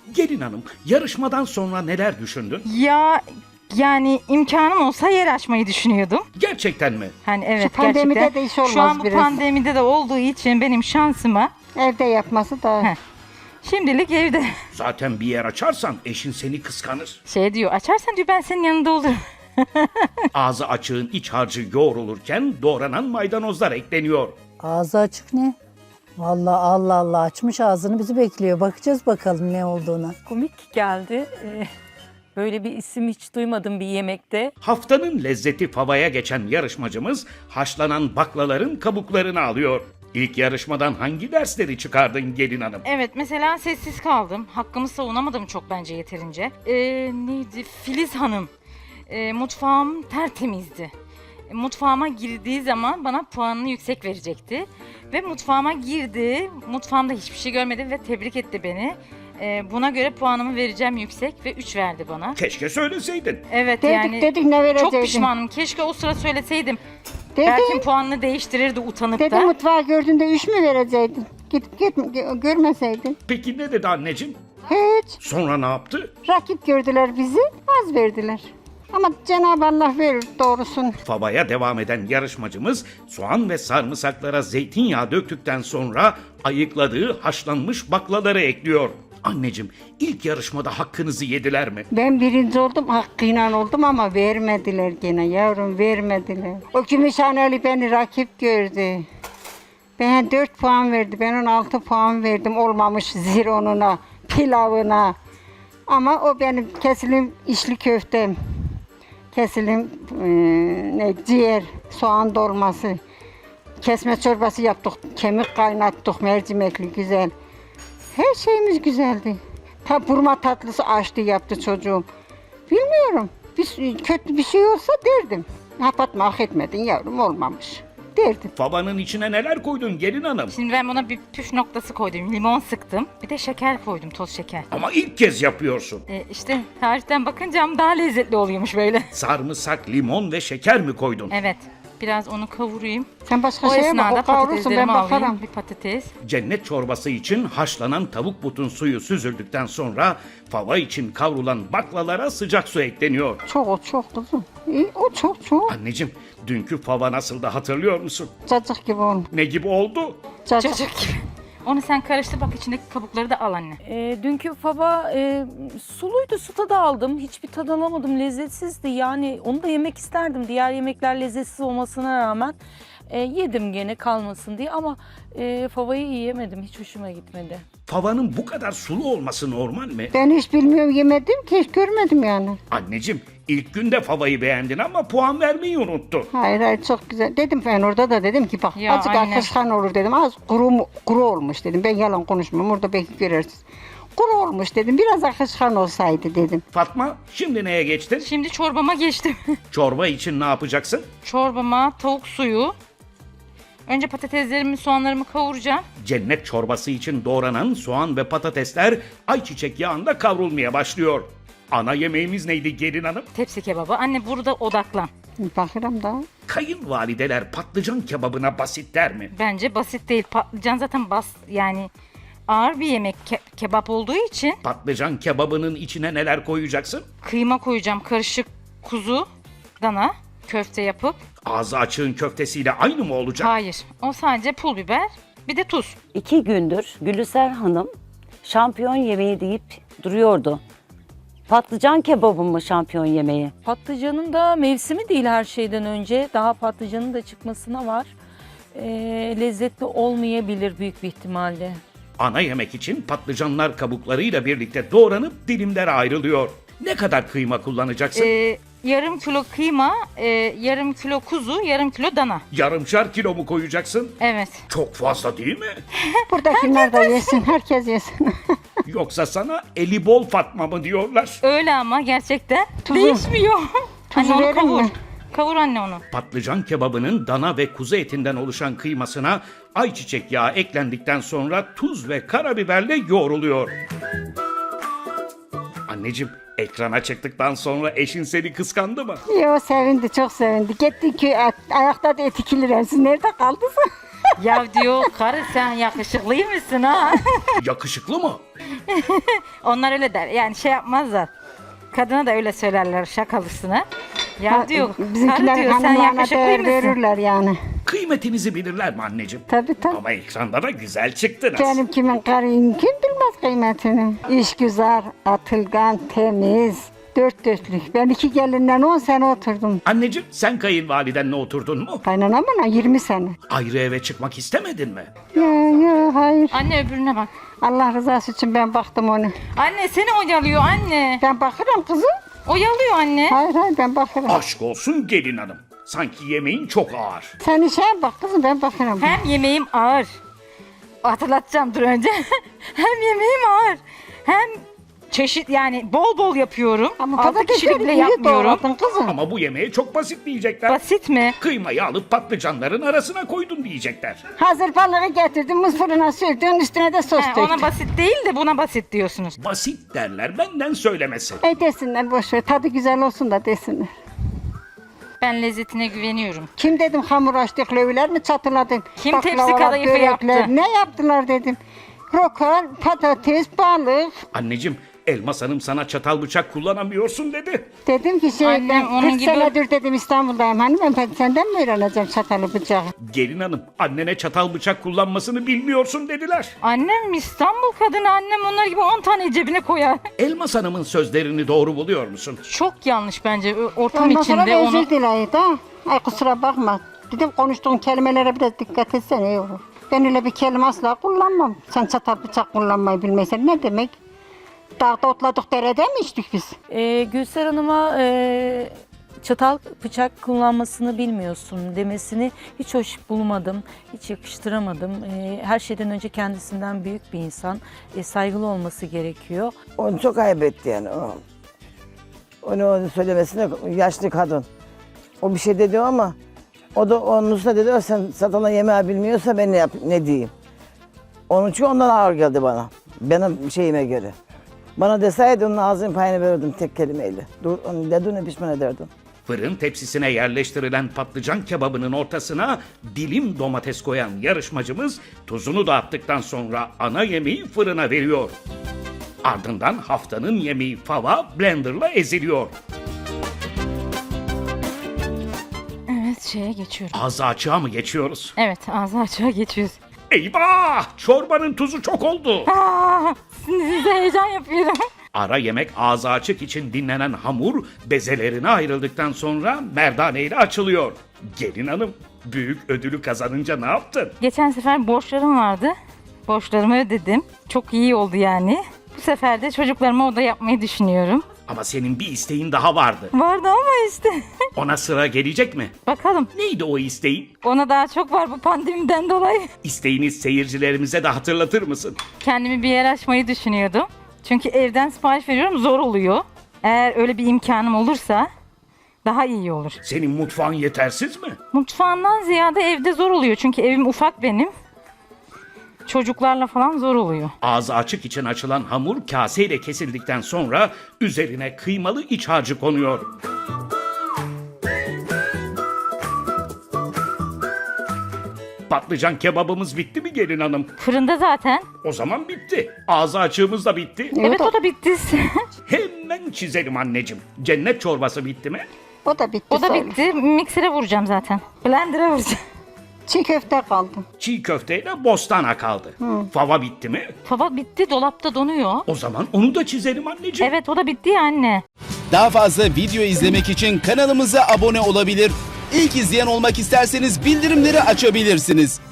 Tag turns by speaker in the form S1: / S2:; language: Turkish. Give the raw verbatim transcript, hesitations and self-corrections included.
S1: Gelin hanım, yarışmadan sonra neler düşündün?
S2: Ya yani imkanım olsa yer açmayı düşünüyordum.
S1: Gerçekten mi?
S2: Hani evet,
S3: Şu pandemide
S2: gerçekten.
S3: de iş olmaz
S2: Şu an bu
S3: biraz.
S2: pandemide de olduğu için benim şansıma
S3: Evde yapması da.
S2: Heh. şimdilik evde.
S1: Zaten bir yer açarsan eşin seni kıskanır.
S2: Şey diyor, açarsan diyor ben senin yanında olurum.
S1: Ağzı açığın iç harcı yoğrulurken doğranan maydanozlar ekleniyor.
S4: Ağzı açık ne? Vallahi Allah Allah açmış ağzını bizi bekliyor. Bakacağız bakalım ne olduğuna.
S5: Komik geldi. Ee, böyle bir isim hiç duymadım bir yemekte.
S1: Haftanın lezzeti favaya geçen yarışmacımız haşlanan baklaların kabuklarını alıyor. İlk yarışmadan hangi dersleri çıkardın gelin hanım?
S2: Evet, mesela sessiz kaldım. Hakkımı savunamadım çok bence yeterince. Ee, neydi? Filiz Hanım. Ee, mutfağım tertemizdi. E, Mutfağıma girdiği zaman bana puanını yüksek verecekti. Ve mutfağıma girdi. Mutfağımda hiçbir şey görmedi ve tebrik etti beni. Ee, buna göre puanımı vereceğim yüksek ve üç verdi bana.
S1: Keşke söyleseydin.
S2: Evet
S3: Dedik
S2: yani
S3: dedik ne vereceydin?
S2: çok pişmanım. Keşke o sıra söyleseydim.
S3: Dedim,
S2: Belki puanını değiştirirdi utanıp
S3: dedim
S2: da.
S3: mutfağı gördüğünde üç mü vereceydin? Git git gö- görmeseydin.
S1: Peki ne dedi anneciğim?
S3: Hiç.
S1: Sonra ne yaptı?
S3: Rakip gördüler bizi, az verdiler. Ama Cenab-ı Allah verir doğrusunu.
S1: Favaya devam eden yarışmacımız soğan ve sarımsaklara zeytinyağı döktükten sonra ayıkladığı haşlanmış baklaları ekliyor. Anneciğim, ilk yarışmada hakkınızı yediler mi?
S3: Ben birinci oldum, hakkıyla oldum ama vermediler gene yavrum, vermediler. O Gümüşhaneli beni rakip gördü. Ben dört puan verdi, ben ona altı puan verdim olmamış zironuna, pilavına. Ama o benim kesilim içli köftem, kesilim e, ne, ciğer, soğan dolması, kesme çorbası yaptık, kemik kaynattık, mercimekli güzel. Her şeyimiz güzeldi. Ta burma tatlısı açtı yaptı çocuğum. Bilmiyorum. Bir, kötü bir şey olsa derdim. Kapatma hak etmedin yavrum olmamış. Derdim.
S1: Favanın içine neler koydun gelin hanım?
S2: Şimdi ben buna bir püf noktası koydum. Limon sıktım. Bir de şeker koydum, toz şeker.
S1: Ama ilk kez yapıyorsun.
S2: Ee, işte tariften bakınca daha lezzetli oluyormuş böyle.
S1: Sarımsak, limon ve şeker mi koydun?
S2: Evet. Biraz onu kavurayım.
S3: Sen başka
S2: O
S3: şeye bak,
S2: esnada
S3: o kavrulsun ben
S2: patateslerimi alayım.
S3: bakarım.
S2: Bir patates.
S1: Cennet çorbası için haşlanan tavuk butun suyu süzüldükten sonra fava için kavrulan baklalara sıcak su ekleniyor.
S3: Çok o çok kızım. İyi, o çok çok.
S1: Anneciğim, dünkü fava nasıldı hatırlıyor musun?
S3: Cacık gibi olmuş.
S1: Ne gibi oldu?
S3: Cacık.
S2: Çocuk gibi. Onu sen karıştır bak, içindeki kabukları da al anne.
S5: Ee, dünkü fava e, suluydu, su tadı aldım. Hiçbir tad alamadım, lezzetsizdi. Yani onu da yemek isterdim. Diğer yemekler lezzetsiz olmasına rağmen e, yedim gene kalmasın diye. Ama e, favayı yiyemedim, hiç hoşuma gitmedi.
S1: Favanın bu kadar sulu olması normal mi?
S3: Ben hiç bilmiyorum yemedim ki hiç görmedim yani.
S1: Anneciğim, ilk günde favayı beğendin ama puan vermeyi unuttun.
S3: Hayır hayır çok güzel. Dedim ben orada da dedim ki bak
S2: Ya
S3: azıcık
S2: anne.
S3: akışkan olur dedim. Az kuru, mu- kuru olmuş dedim. Ben yalan konuşmuyorum orada belki görürsünüz. Kuru olmuş dedim. Biraz akışkan olsaydı dedim.
S1: Fatma, şimdi neye geçtin?
S2: Şimdi çorbama geçtim.
S1: Çorba için ne yapacaksın?
S2: Çorbama tavuk suyu. Önce patateslerimi, soğanlarımı kavuracağım.
S1: Cennet çorbası için doğranan soğan ve patatesler ayçiçek yağında kavrulmaya başlıyor. Ana yemeğimiz neydi gelin hanım?
S2: Tepsi kebabı. Anne burada odaklan.
S3: Bakırım da.
S1: Kayınvalideler patlıcan kebabına basit der mi?
S2: Bence basit değil. Patlıcan zaten bas yani ağır bir yemek ke- kebap olduğu için
S1: Patlıcan kebabının içine neler koyacaksın?
S2: kıyma koyacağım. Karışık kuzu, dana, köfte yapıp.
S1: Ağzı açığın köftesiyle aynı mı olacak?
S2: Hayır. O sadece pul biber, bir de tuz.
S6: İki gündür Gülüser Hanım şampiyon yemeği deyip duruyordu. Patlıcan kebabı mı şampiyon yemeği?
S5: Patlıcanın da mevsimi değil her şeyden önce. Daha patlıcanın da çıkmasına var. E, lezzetli olmayabilir büyük bir ihtimalle.
S1: Ana yemek için patlıcanlar kabuklarıyla birlikte doğranıp dilimlere ayrılıyor. Ne kadar kıyma kullanacaksın?
S2: Ee, yarım kilo kıyma, e, yarım kilo kuzu, yarım kilo dana.
S1: Yarımşar kilo mu koyacaksın?
S2: Evet.
S1: Çok fazla değil mi?
S3: Buradakiler da yesin. Herkes yesin.
S1: Yoksa sana eli bol Fatma mı diyorlar?
S2: Öyle ama gerçekten
S3: Tuzu.
S2: değişmiyor.
S3: Tuzu
S2: Anne onu
S3: verin
S2: kavur.
S3: mi?
S2: Kavur anne onu.
S1: Patlıcan kebabının dana ve kuzu etinden oluşan kıymasına ayçiçek yağı eklendikten sonra tuz ve karabiberle yoğruluyor. Anneciğim, ekrana çıktıktan sonra eşin seni kıskandı mı?
S3: Yo sevindi çok sevindi. Gitti ki ayakta da etikilir. Siz nerede kaldınız?
S2: Ya diyor karı sen yakışıklı mısın ha?
S1: Yakışıklı mı?
S2: Onlar öyle der. Yani şey yapmazlar. Kadına da öyle söylerler şakalısına. Ya diyor, karı
S3: Bizimkiler
S2: diyor sen
S3: hanımlarına
S2: yakışıklı
S3: değer
S2: mısın?
S3: verirler yani.
S1: Kıymetinizi bilirler mi anneciğim?
S3: Tabii tabii.
S1: Ama ekranda da güzel çıktınız.
S3: Benim kimin karıyım kim bilmez kıymetini. İşgüzar, atılgan, temiz, dört dörtlük. Ben iki gelinden on sene oturdum.
S1: Anneciğim sen kayınvalidenle oturdun mu?
S3: Kaynanamla yirmi sene.
S1: Ayrı eve çıkmak istemedin mi?
S3: Ya ya hayır.
S2: Anne öbürüne bak.
S3: Allah rızası için ben baktım onu.
S2: Anne seni oyalıyor anne.
S3: Ben bakarım kızım.
S2: Oyalıyor anne.
S3: Hayır hayır ben bakarım.
S1: Aşk olsun gelin hanım. Sanki yemeğin çok ağır.
S3: Sen işe bak kızım ben bakarım.
S2: Hem yemeğim ağır. Hatırlatacağım dur önce. Hem yemeğim ağır. Hem çeşit yani bol bol yapıyorum.
S3: Ama
S2: Altı
S3: patatesleri
S2: kişilik bile
S3: iyi
S2: yapmıyorum.
S3: doğradın kızım.
S1: Ama bu yemeğe çok basit diyecekler.
S2: Basit mi?
S1: Kıymayı alıp patlıcanların arasına koydun diyecekler.
S3: Hazır balığı getirdim, muz fırına sürdün, üstüne de sos
S2: He,
S3: döktüm.
S2: ona basit değil de buna basit diyorsunuz.
S1: Basit derler benden söylemesi.
S3: E desinler boş ver, tadı güzel olsun da desinler.
S2: Ben lezzetine güveniyorum.
S3: Kim dedim hamur açtık, löviler mi çatıladın?
S2: Kim tepsi
S3: Baklavalar,
S2: kadayıfı
S3: börekler,
S2: yaptı?
S3: Ne yaptılar dedim. Roka, patates, balık.
S1: Anneciğim Elmas Hanım sana çatal bıçak kullanamıyorsun dedi.
S3: Dedim ki şey
S2: Annem
S3: ben
S2: onun
S3: kırk
S2: gibi-
S3: senedir dedim İstanbul'dayım. Hani ben, ben senden mi öğreneceğim çatalı bıçağı?
S1: Gelin hanım annene çatal bıçak kullanmasını bilmiyorsun dediler.
S2: Annem İstanbul kadını, annem onlar gibi on tane cebine koyar.
S1: Elmas Hanım'ın sözlerini doğru buluyor musun?
S2: Çok yanlış bence Ö- ortam
S3: Ondan sonra
S2: içinde
S3: da
S2: onu.
S3: özür dileydi ha. Ay kusura bakma. Dedim konuştuğun kelimelere biraz dikkat etsene iyi olur. Ben öyle bir kelime asla kullanmam. Sen çatal bıçak kullanmayı bilmesen ne demek? Dağda otladık derede mi içtik biz?
S5: Ee, Gülser Hanım'a e, çatal bıçak kullanmasını bilmiyorsun demesini hiç hoş bulmadım, hiç yakıştıramadım. E, her şeyden önce kendisinden büyük bir insan, e, saygılı olması gerekiyor.
S7: Onu çok ayıp etti yani. O, onu, onu söylemesine yaşlı kadın. O bir şey dedi ama o da onun üstüne dedi, "O sen satana yemeği bilmiyorsa ben ne, yap, ne diyeyim?" Onun için ondan ağır geldi bana. Benim şeyime göre. Bana deseydi onun ağzının payını verirdim tek kelimeyle. Dur, onu dediğine pişman ederdim.
S1: Fırın tepsisine yerleştirilen patlıcan kebabının ortasına dilim domates koyan yarışmacımız tuzunu da attıktan sonra ana yemeği fırına veriyor. Ardından haftanın yemeği fava blenderla eziliyor.
S2: Evet şeye geçiyorum.
S1: Ağzı açığa mı geçiyoruz?
S2: Evet ağzı açığa geçiyoruz.
S1: Eyvah! Çorbanın tuzu çok oldu.
S2: Aa, size heyecan yapıyorum.
S1: Ara yemek ağzı açık için dinlenen hamur bezelerine ayrıldıktan sonra merdane ile açılıyor. Gelin hanım büyük ödülü kazanınca ne yaptın?
S2: Geçen sefer borçlarım vardı. Borçlarımı ödedim. Çok iyi oldu yani. Bu sefer de çocuklarıma oda yapmayı düşünüyorum.
S1: Ama senin bir isteğin daha vardı.
S2: Vardı ama işte.
S1: Ona sıra gelecek mi?
S2: Bakalım.
S1: Neydi o isteğin?
S2: Ona daha çok var bu pandemiden dolayı.
S1: İsteğini seyircilerimize de hatırlatır mısın?
S2: Kendimi bir yer açmayı düşünüyordum. Çünkü evden sipariş veriyorum zor oluyor. Eğer öyle bir imkanım olursa daha iyi olur.
S1: Senin mutfağın yetersiz mi?
S2: Mutfağından ziyade evde zor oluyor. Çünkü evim ufak benim. Çocuklarla falan zor oluyor.
S1: Ağzı açık için açılan hamur kaseyle kesildikten sonra üzerine kıymalı iç harcı konuyor. Patlıcan kebabımız bitti mi gelin hanım?
S2: Fırında zaten.
S1: O zaman bitti. Ağzı açığımız da bitti.
S2: Evet o da bitti.
S1: Hemen çizelim anneciğim. Cennet çorbası bitti mi?
S3: O da bitti.
S2: o da
S3: sayılır.
S2: bitti. Miksere vuracağım zaten. Blender'a vuracağım.
S3: Çiğ köfte kaldı.
S1: Çiğ köfteyle bostana kaldı. Fava bitti mi?
S2: Fava bitti, dolapta donuyor.
S1: O zaman onu da çizelim anneciğim.
S2: Evet o da bitti ya anne.
S8: Daha fazla video izlemek için kanalımıza abone olabilir. İlk izleyen olmak isterseniz bildirimleri açabilirsiniz.